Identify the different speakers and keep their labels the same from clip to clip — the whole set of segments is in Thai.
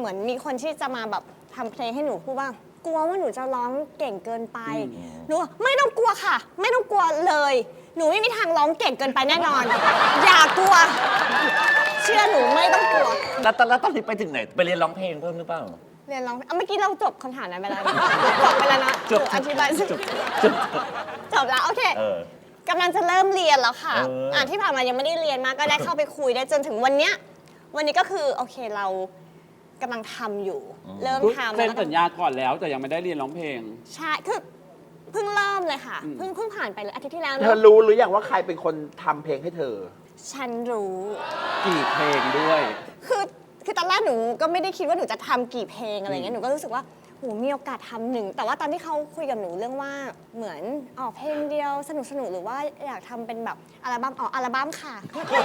Speaker 1: เหมือนมีคนที่จะมาแบบทำเพลงให้หนูพูดว่ากลัวว่าหนูจะร้องเก่งเกินไปหนูไม่ต้องกลัวค่ะ ไม่ต้องกลัวเลยหนูไม่มีทางร้องเก่งเกินไปแน่นอน อย่ากลัว เชื่อหนูไม่ต้องกลัว
Speaker 2: แล้วตอนนี้ไปถึงไหนไปเรียนร้องเพลงเพิ่มหรือเปล่า
Speaker 1: เรียนร้องเมื่อกี้เราจบคำถามนั้นไปแล้วนะจบไปแล้วนะอธิบายจบแล้วโอเคกำลังจะเริ่มเรียนแล้วค่ะที่ผ่านมายังไม่ได้เรียนมากก็ได้เข้าไปคุยได้จนถึงวันเนี้ยวันนี้ก็คือโอเคเรากำลังทำอยู่เริ่มทำ
Speaker 3: เซ็นสัญญาก่อนแล้วแต่ยังไม่ได้เรียนร้องเพลง
Speaker 1: ใช่คือเพิ่งเริ่มเลยค่ะเพิ่งผ่านไปเลยอาทิตย์ที่แล้ว
Speaker 4: เธอรู้หรือยังว่าใครเป็นคนทำเพลงให้เธอ
Speaker 1: ฉันรู้
Speaker 3: กี่เพลงด้วย
Speaker 1: คือตอนแรกหนูก็ไม่ได้คิดว่าหนูจะทำกี่เพลงอะไรเงี้ยหนูก็รู้สึกว่าโหมีโอกาสทำหนึ่งแต่ว่าตอนที่เขาคุยกับหนูเรื่องว่าเหมือนออกเพลงเดียวสนุกหรือว่าอยากทำเป็นแบบอัลบั้มค่ะ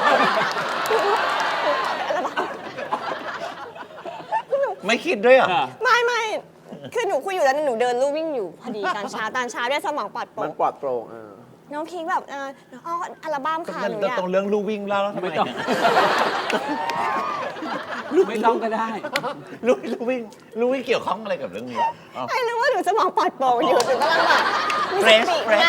Speaker 1: อัลบั้ม
Speaker 2: ไม่คิดด้วยเหรอ
Speaker 1: ไม่คือหนูคุยอยู่แล้วหนูเดินลู่วิ่งอยู่พอดีตอนเช้าด้วยสมองปลอดโปร่ง
Speaker 4: มันปลอดโปร่ง
Speaker 1: น้องพีคแบบอัลบั้มค่ะหนูอยาก
Speaker 2: ตรงเรื่องลู่วิ่งแล้วทำไม
Speaker 3: ไม่ต้องก็ได้
Speaker 2: ลู่วิ่งเกี่ยวข้องอะไรกับเรื่องนี้
Speaker 1: ไอ้รู้ว่าหนูสมองปลอดโปร่งอยู่หนูกำลังแบบ
Speaker 2: เฟรช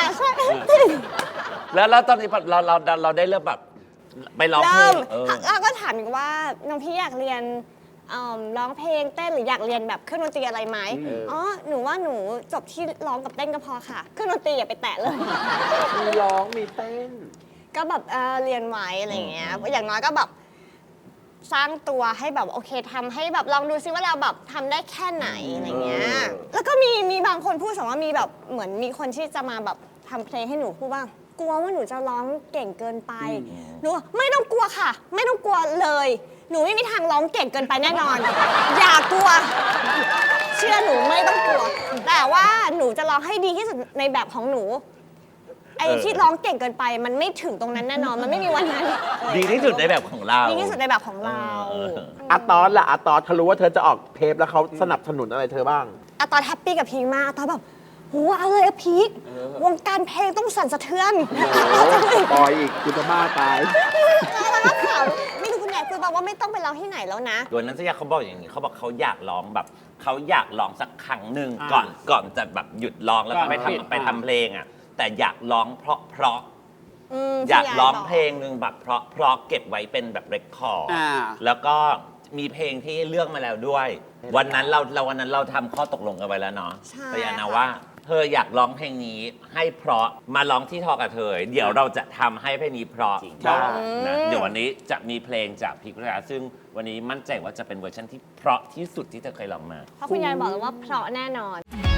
Speaker 2: แล้วตอนนี้เราได้เริ่มแบบไปร้องเพลง
Speaker 1: แล้วก็ถามอีกว่าน้องพี่อยากเรียนร้องเพลงเต้นหรืออยากเรียนแบบเครื่องดนตรีอะไรไหมหนูว่าหนูจบที่ร้องกับเต้นก็พอค่ะเครื่องดนตรีอย่าไปแตะเลย
Speaker 4: มีร้องมีเต้น
Speaker 1: ก็แบบเรียนไว้อะไรอย่างเงี้ยอย่างน้อยก็แบบสร้างตัวให้แบบโอเคทำให้แบบลองดูซิว่าเราแบบทำได้แค่ไหนอะไรเงี้ยแล้วก็มีบางคนพูดสมมติว่ามีแบบเหมือนมีคนที่จะมาแบบทำเพลงให้หนูพูดว่ากลัวว่าหนูจะร้องเก่งเกินไปหนูไม่ต้องกลัวค่ะไม่ต้องกลัวเลยหนูไม่มีทางร้องเก่งเกินไปแน่นอน อย่ากลัว เชื่อหนูไม่ต้องกลัว แต่ว่าหนูจะร้องให้ดีที่สุดในแบบของหนูไอ้ที่ร้องเก่งเกินไปมันไม่ถึงตรงนั้นแน่นอนมันไม่มีวันนั้น
Speaker 2: ดีที่สุดในแบบของเรา
Speaker 1: ดีที่สุดในแบบของเรา
Speaker 4: อาตอนล่ะอาตอนเธอรู้ว่าเธอจะออกเทปแล้วเขาสนับสนุนอะไรเธอบ้าง
Speaker 1: อาตอนแฮปปี้กับพีคมากอาตอนแบบโหเอาเลยอะพีควงการเพลงต้องสั่นสะเทือน
Speaker 4: ปอยอีกคุณจะบ้าตาย
Speaker 1: แล้วก็ข่าวไม่รู้คุณใหญ่คือบอกว่าไม่ต้องไปร้องที่ไหนแล้วนะ
Speaker 2: โดยนั้นเขาบอกอย่างนี้เขาบอกเขาอยากร้องแบบเขาอยากร้องสักครั้งหนึ่งก่อนจะแบบหยุดร้องแล้วก็ไปทำเพลงอ่ะแต่อยากร้องเพราะอยากร้องเพลงหนึ่งแบบเพราะเก็บไว้เป็นแบบเรคคอร์ดแล้วก็มีเพลงที่เลือกมาแล้วด้วยวันนั้นเราทำข้อตกลงกันไว้แล้วเนาะพยานาว่าเธออยากร้องเพลงนี้ให้เพราะมาร้องที่ทอกับเธอเดี๋ยวเราจะทำให้เพลงนี้เพราะนะเดี๋ยววันนี้จะมีเพลงจากพีคพิชยาซึ่งวันนี้มั่นใจว่าจะเป็นเวอร์ชันที่เพราะที่สุดที่เธอเคยร้องมา
Speaker 1: เพราะคุณยายบอกแล้วว่าเพราะแน่นอน